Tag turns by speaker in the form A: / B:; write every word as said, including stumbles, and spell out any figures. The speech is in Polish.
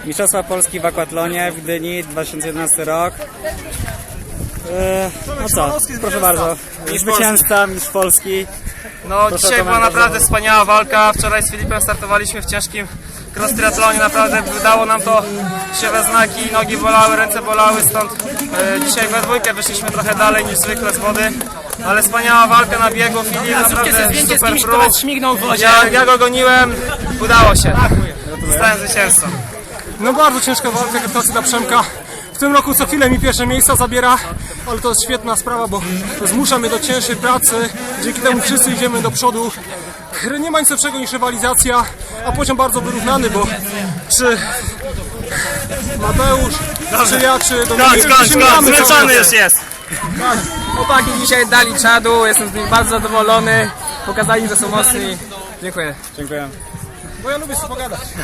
A: Mistrzostwa Polski w akwatlonie w Gdyni, dwa tysiące jedenasty rok. Eee, no co, proszę bardzo, zwycięzca, mistrz Polski.
B: No dzisiaj była naprawdę wspaniała walka. Wczoraj z Filipem startowaliśmy w ciężkim cross triathlonie. Naprawdę wydało nam to się we znaki, nogi bolały, ręce bolały, stąd e, dzisiaj we dwójkę wyszliśmy trochę dalej niż zwykle z wody. Ale wspaniała walka na biegu, Filip naprawdę super prób. Ja, ja go goniłem, udało się. Zostałem zwycięzcą.
C: No bardzo ciężka walka, gratulacje dla Przemka. W tym roku co chwilę mi pierwsze miejsca zabiera, ale to jest świetna sprawa, bo zmusza mnie do cięższej pracy. Dzięki temu wszyscy idziemy do przodu. Nie ma nic lepszego niż rywalizacja, a poziom bardzo wyrównany, bo czy Mateusz, czy ja, czy Dominik,
B: Kończ, kończ, kończ, zmęczony już jest.
D: Chłopaki dzisiaj dali czadu, jestem z nich bardzo zadowolony. Pokazali, że są mocni. Dziękuję.
A: Dziękuję.
C: bo ja lubię sobie pogadać.